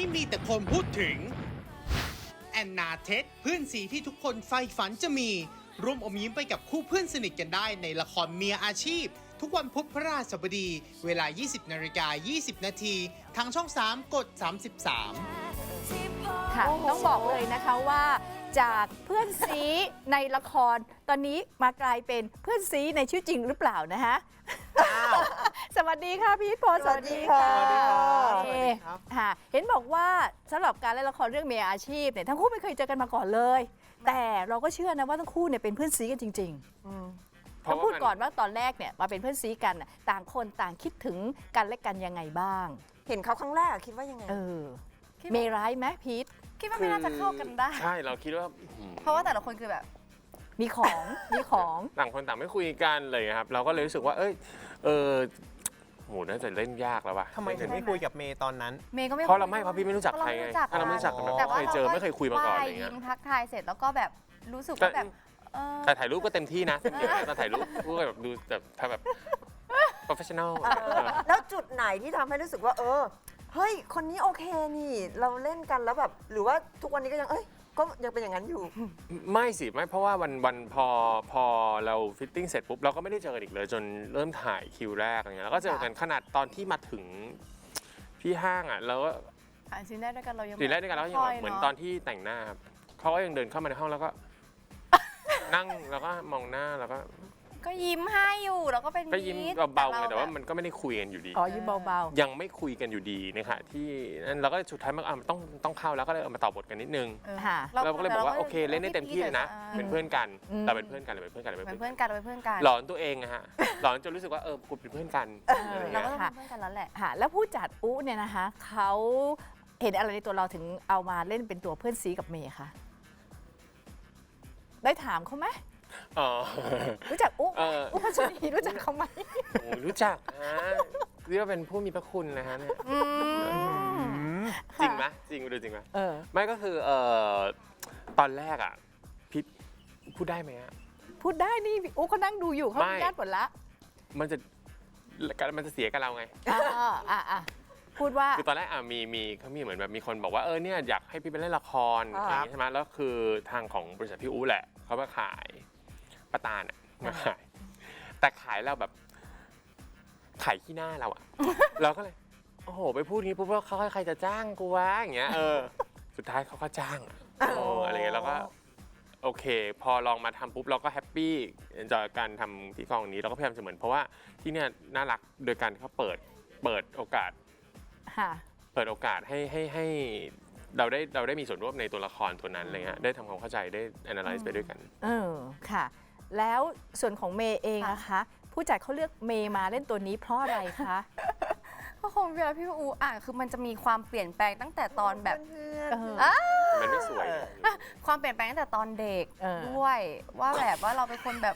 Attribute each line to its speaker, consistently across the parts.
Speaker 1: มีแต่คนพูดถึงแอนนาเท็ดเพื่อนสีที่ทุกคนใฝ่ฝันจะมีร่วมอมยิ้มไปกับคู่เพื่อนสนิทกันได้ในละครเมียอาชีพทุกวันพุธพฤหัสบดีเวลา 20:20 นาทีทางช่อง 3 กด 33
Speaker 2: ค่ะต้องบอกเลยนะคะว่าจากเพื่อนซีในละครตอนนี้มากลายเป็นเพื่อนซีในชีวิตจริงหรือเปล่านะคะสวัสดีค่ะพี่พลสวัสดีค่ะ
Speaker 3: สวัสดีครับ
Speaker 2: ค่ะเห็นบอกว่าสำหรับการเล่นละครเรื่องเมียอาชีพเนี่ยทั้งคู่ไม่เคยเจอกันมาก่อนเลยแต่เราก็เชื่อนะว่าทั้งคู่เนี่ยเป็นเพื่อนซีกันจริงๆต้องพูดก่อนว่าตอนแรกเนี่ยมาเป็นเพื่อนซีกันต่างคนต่างคิดถึงกันและกันยังไงบ้าง
Speaker 4: เห็นเขาครั้งแรกคิดว่ายังไง
Speaker 2: เมย์ร้ายไหมพีท
Speaker 5: คิดว่าไม่น่าจะเข้ากันได้
Speaker 3: ใช่เราคิดว่า
Speaker 5: เพราะว่าแต่ละคนคือแบบ
Speaker 2: มีของมีของ
Speaker 3: ต่างคนต่างไม่คุยกันเลยครับเราก็เลยรู้สึกว่าโหน่าจะเล่นยากแล้วว่ะ
Speaker 6: ทำไมถึงไม่คุยกับเมย์ตอนนั้น
Speaker 5: เมย์ก็ไม่
Speaker 3: เพราะเราไม่เพราะพี่ไม่รู้จักใครไง
Speaker 5: เพราะเราไม่รู้จัก
Speaker 3: ถ้าเราไม่รู้จักกันแบบ
Speaker 5: แต่ว่า
Speaker 3: เคยเจอไม่เคยคุยมาก่อนอะไร
Speaker 5: ยิ้
Speaker 3: เงี้ย
Speaker 5: มทักทายเสร็จแล้วก็แบบรู้สึกว่าแบบ
Speaker 3: แต่ถ่ายรูปก็เต็มที่นะตอนถ่ายรูปก็แบบดูแบบ professional
Speaker 4: แล้วจุดไหนที่ทำให้รู้สึกว่าเฮ้ยคนนี้โอเคนี่เราเล่นกันแล้วแบบหรือว่าทุกวันนี้ก็ยังก็ยังเป็นอย่างนั้นอยู่
Speaker 3: ไม่สิไม่เพราะว่าวันพอเราฟิตติ้งเสร็จปุ๊บเราก็ไม่ได้เจอกันอีกเลยจนเริ่มถ่ายคิวแรกอะไรเงี้ยแล้วก็เจอกันขนาดตอนที่มาถึงที่ห้างอ่ะเราก็
Speaker 5: ซีนแรกด้วยกันเรายัง
Speaker 3: ทีแรกด้วยกันแล้วยังเหมือนตอนที่แต่งหน้าครับเขาก็ยังเดินเข้ามาในห้องแล้วก็ นั่งแล้วก็มองหน้าแล้วก็
Speaker 5: ก็ยิ้มให้อยู่แล้วก็เป็น
Speaker 3: ก็ยิ้มเบาๆไงแต่ว่ามันก็ไม่ได้คุยกันอยู่ดี
Speaker 2: อ๋อยิ้มเบา
Speaker 3: ยังไม่คุยกันอยู่ดีนะคะที่นั่นเราก็สุดท้ายมันต้องเข้าแล้วก็เลยเอามาต่อบทกันนิดนึง
Speaker 2: ค่ะ
Speaker 3: เราก็เลยบอกว่าโอเคเล่นได้เต็มที่เลยนะเป็นเพื่อนกัน
Speaker 2: อืม
Speaker 3: เราเป็นเพื่อนกันเราเป็นเพื่อนกันเรา
Speaker 5: เป็
Speaker 3: เป็น น
Speaker 5: เพื่
Speaker 3: เพื่
Speaker 5: อ
Speaker 3: อน น
Speaker 5: กันเราเป็นเพื่อนกัน
Speaker 3: หลอนตัวเองอะฮะหลอนจนรู้สึกว่าคุณเป็นเพื่อนกันอะไร
Speaker 5: เรา
Speaker 3: เงี้ย
Speaker 5: ก็ต้องเป็นเพื่อนกันแล้วแหละ
Speaker 2: ค่ะแล้วผู้จัดอุ๊เนี่ยนะคะเขาเห็นอะไรในตัวเราถึงเอามาเล่นเป็นตัวเพื่อนซีกับเมย์คะได้ถามเขาไหม
Speaker 3: อ๋อ
Speaker 2: รู้จักอุ๊อุ๊พัชรีรู้จักเขาไหม
Speaker 3: โอ้รู้จักนะเรียกว่าเป็นผู้มีพระคุณนะฮะเนี่ยจริงไหมจริงดูจริงไหมไม่ก็คือตอนแรกอ่ะพี่พูดได้ไหมอะ
Speaker 2: พูดได้นี่อุ๊เขานั่งดูอยู่เขา
Speaker 3: ไม่
Speaker 2: มีญาติหมดละ
Speaker 3: มันจะเสียกับเราไง
Speaker 2: พูดว่า
Speaker 3: คือตอนแรกมีเขามีเหมือนแบบมีคนบอกว่าเนี่ยอยากให้พี่ไปเล่นละครอะไรอย่างงี้ใช่ไหมแล้วคือทางของบริษัทพี่อู๋แหละเขามาขายป้าตาลมาขายแต่ขายเราแบบขายขี้หน้าเราอะ เราก็เลยโอ้โหไปพูดงี้ปุ๊บว่าเขาใครจะจ้างกูวะอย่างเงี้ยสุดท้ายเขาก็จ้างอะไรเงี้ยแล้วก็โอเคพอลองมาทำปุ๊บเราก็แฮปปี้จากการทำที่กองนี้เราก็พยายามจะเหมือนเพราะว่าที่เนี่ยน่ารักโดยการที่เขาเปิดโอกาสให้เราได้มีส่วนร่วมในตัวละครตัวนั้นอะไรเงี้ยได้ทำความเข้าใจได้ analyze ไปด้วยกัน
Speaker 2: ค่ะแล้วส่วนของเมย์เองนะคะผู้จัดเขาเลือกเมย์มาเล่นตัวนี้เพราะอะไรคะ
Speaker 5: ก็คงเวลาพี่อูคือมันจะมีความเปลี่ยนแปลงตั้งแต่ตอนแบบ
Speaker 3: มันไม่สวย
Speaker 5: ความเปลี่ยนแปลงตั้งแต่ตอนเด็กด้วยว่าแบบว่าเราเป็นคนแบบ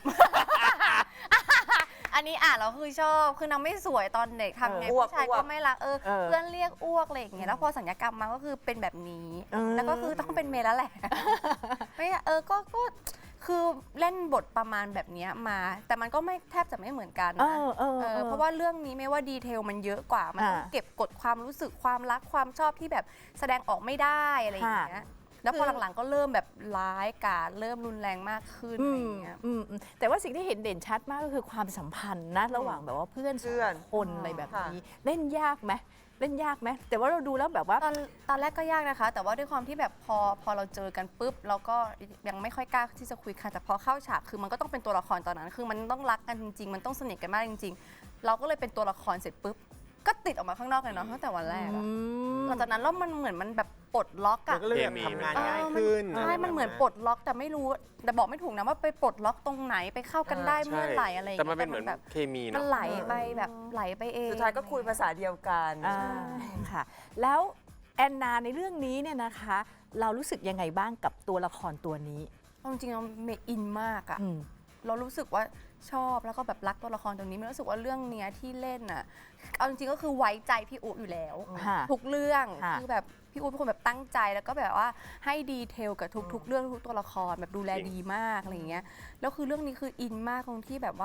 Speaker 5: อันนี้เราคือชอบคือนางไม่สวยตอนเด็กทำไงผู้ชายก็ไม่รักเพื่อนเรียกอ้วกอะไรอย่างเงี้ยแล้วพอสัญญกรรมมาก็คือเป็นแบบนี้แล้วก็คือต้องเป็นเมย์แล้วแหละไม่ก็คือเล่นบทประมาณแบบนี้มาแต่มันก็ไม่แทบจะไม่เหมือนกันนะเพราะว่าเรื่องนี้ไม่ว่าดีเทลมันเยอะกว่ามันต้องเก็บกดความรู้สึกความรักความชอบที่แบบแสดงออกไม่ได้อะไรอย่างเงี้ยแล้วพอหลังๆก็เริ่มแบบร้ายกาจเริ่มรุนแรงมากขึ้นอะไรอย่างเงี้ย
Speaker 2: แต่ว่าสิ่งที่เห็นเด่นชัดมากก็คือความสัมพันธ์นะระหว่างแบบว่าเพื่อนคนอะไรแบบนี้เล่นยากไหมแต่ว่าเราดูแล้วแบบว่า
Speaker 5: ตอนแรกก็ยากนะคะแต่ว่าด้วยความที่แบบพอเราเจอกันปุ๊บเราก็ยังไม่ค่อยกล้าที่จะคุยกันแต่พอเข้าฉากคือมันก็ต้องเป็นตัวละครตอนนั้นคือมันต้องรักกันจริงๆมันต้องสนิทกันมากจริงๆเราก็เลยเป็นตัวละครเสร็จปุ๊บก็ติดออกมาข้างนอกเลยเนาะตั้งแต่วันแรกหลังจากนั้นแล้วมันเหมือนมันแบบปลดล็อกอะ
Speaker 6: ก็เลยทำงานง่ายขึ้น
Speaker 5: ใช่มันเหมือนปลดล็อกแต่ไม่รู้แต่บอกไม่ถูกนะว่าไปปลดล็อกตรงไหนไปเข้ากันได้เมื่อไหร่อะไรอย่างเงี้ย
Speaker 3: แต่มันเป็นเหมือนแบบเคมี
Speaker 5: มันไหลไปแบบไหลไปเอง
Speaker 4: สุดท้ายก็คุยภาษาเดียวกัน
Speaker 2: ค่ะแล้วแอนนาในเรื่องนี้เนี่ยนะคะเรารู้สึกยังไงบ้างกับตัวละครตัวนี้
Speaker 5: จริงๆเราเมอินมากอะเรารู้สึกว่าชอบแล้วก็แบบรักตัวละครตรงนี้ไม่รู้สึกว่าเรื่องเนี้ยที่เล่นน่ะเอาจริงๆก็คือไว้ใจพี่อุ๊อยู่แล้วทุกเรื่องคือแบบพี่อุ๊เป็นคนแบบตั้งใจแล้วก็แบบว่าให้ดีเทลกับทุกเรื่องทุกตัวละครแบบดูแลดีมากอะไรอย่างเงี้ยแล้วคือเรื่องนี้คืออินมากตรงที่แบบว่า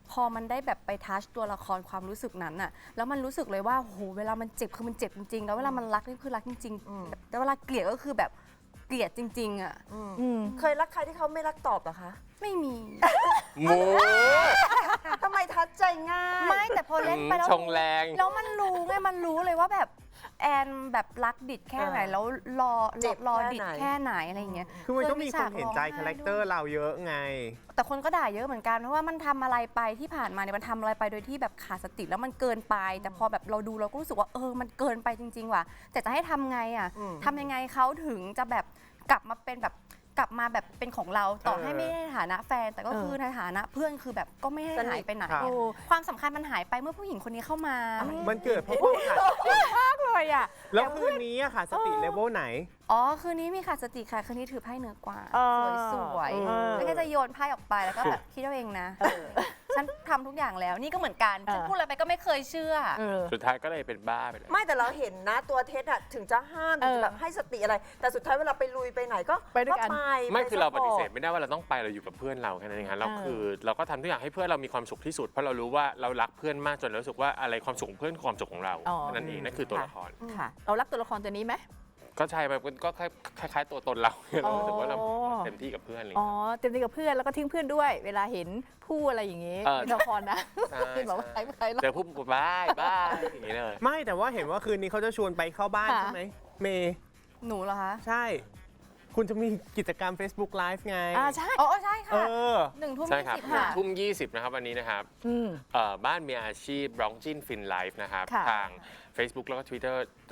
Speaker 5: พอมันได้แบบไปทัชตัวละครความรู้สึกนั้นอะแล้วมันรู้สึกเลยว่าโหเวลามันเจ็บคือมันเจ็บจริงๆแล้วเวลามันรักนี่คือรักจริงๆแต่เวลาเกลียดก็คือแบบเกลียดจริงๆอะ
Speaker 4: เคยรักใครที่เขาไม่รักตอบเหรอคะ
Speaker 5: ไม่มี
Speaker 3: หมู
Speaker 4: ทำไมทัดใจง่าย
Speaker 5: ไม่แต่พอเล่นไปแล้ว
Speaker 3: ชงแรง
Speaker 5: แล้วมันรู้ไงมันรู้เลยว่าแบบแอนแบบรักดิดแค่ไหนแล้ว
Speaker 4: เจ็บ
Speaker 5: รอ
Speaker 4: แค่
Speaker 5: ดิด
Speaker 4: ไหน
Speaker 5: แค่ไหนอะไรอย่างเงี้ย
Speaker 6: คือมันก็มีคนเห็นใจ
Speaker 5: ย
Speaker 6: คาแรคเตอร์เราเยอะไง
Speaker 5: แต่คนก็ด่าเยอะเหมือนกันเพราะว่ามันทำอะไรไปที่ผ่านมาเนี่ยมันทำอะไรไปโดยที่แบบขาดสติแล้วมันเกินไป แต่พอแบบเราดูเราก็รู้สึกว่ามันเกินไปจริง ๆ ว่ะแต่จะให้ทำไงอ่ะทำยังไงเขาถึงจะแบบกลับมาเป็นแบบกลับมาแบบเป็นของเราต่อให้ไม่ได้ในฐานะแฟน แต่ก็คือในฐานะเพื่อนคือแบบก็ไม่ให้หายไปไหน
Speaker 6: ครับ
Speaker 5: ความสำคัญมันหายไปเมื่อผู้หญิงคนนี้เข้ามา
Speaker 6: มันเกิดเพราะว่าขาด
Speaker 2: มากเลยอ่ะ
Speaker 6: แล้วคืนนี้อะค่ะสติเลเวลไหน
Speaker 5: อ๋อคืนนี้มีขาดสติค่ะคืนนี้ถือไพ่เหนือกว่า
Speaker 2: เออ
Speaker 5: สวย
Speaker 2: เออ
Speaker 5: ๆแล้วก็จะโยนไพ่ออกไปแล้วก็แบบคิดเอาเองนะ ฉันทำทุกอย่างแล้วนี่ก็เหมือนกันฉันพูดอะไรไปก็ไม่เคยเชื่อ
Speaker 3: สุดท้ายก็เลยเป็นบ้าไปเลย
Speaker 4: ไม่แต่เราเห็นนะตัวเท็ดอะถึงจะห้ามถึงจะแบบให้สติอะไร แต่สุดท้ายเวลาไปลุยไปไหนก็
Speaker 2: ไปด้วยกัน
Speaker 3: ไม่คือเราปฏิเสธ
Speaker 4: ไป
Speaker 3: ไม่ได้ว่าเราต้องไปเราอยู่กับเพื่อนเราแค่นั้นเองครับเราคือเราก็ทำทุกอย่างให้เพื่อนเรามีความสุขที่สุดเพราะเรารู้ว่าเรารักเพื่อนมากจนเรารู้สึกว่าอะไรความสุขของเพื่อนคือความสุขของเรา
Speaker 2: อ๋อ
Speaker 3: นั่นเองนั่นคือตัวละคร
Speaker 2: ค่ะ เรารักตัวละครตัวนี้ไหม
Speaker 3: ก็ใช่แบบก็คล้ายๆตัวตนเราเรารู้สึกว่าเราเต็มที่กับเพื่อนอะไรอย่าง
Speaker 2: อ๋อ
Speaker 3: เงี้ย
Speaker 2: เต็มที่กับเพื่อนแล้วก็ทิ้งเพื่อนด้วย เวลาเห็นผู้อะไรอย่างงี้
Speaker 3: เออ
Speaker 2: ในละครนะ
Speaker 3: ใช่
Speaker 2: เป็นบอกว่าใครใคร
Speaker 3: เจอผู้บ้าอย่างนี้เลย
Speaker 6: ไม่แต่ว่าเห็นว่าคืนนี้เขาจะชวนไปเข้าบ้าน
Speaker 2: ค่ะ
Speaker 6: ใช่ไหมเมย์
Speaker 5: หนูเหรอคะ
Speaker 6: ใช่ คุณจะมีกิจกรรม Facebook Live ไง
Speaker 2: ใช่
Speaker 5: อ๋อใช่
Speaker 6: เอ
Speaker 5: ค่ะ
Speaker 6: อ
Speaker 5: 1 ทุ่ม
Speaker 3: ใช่ครับ
Speaker 5: 20ค่ะ
Speaker 3: ทุ่ม 20 นะครับวันนี้นะครับ
Speaker 2: อืม
Speaker 3: บ้านมีอาชีพร้องจิ้นฟินไลฟ์นะครับ
Speaker 2: ค่ะ
Speaker 3: ทาง Facebook แล้วก็ Twitter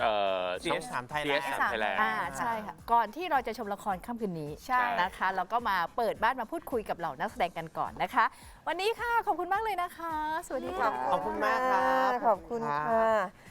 Speaker 6: CS3 Thailand
Speaker 3: CS3 Thailand
Speaker 2: ใช่ค่ะ ก่อนที่เราจะชมละครค่ำคืนนี้
Speaker 5: ใช่
Speaker 2: นะคะ เราก็มาเปิดบ้านมาพูดคุยกับเหล่านักแสดงกันก่อนนะคะ วันนี้ค่ะ ขอบคุณมากเลยนะคะ สวัสดีค่ะ
Speaker 6: ขอบคุณมากครับ
Speaker 4: ขอบคุณค่ะ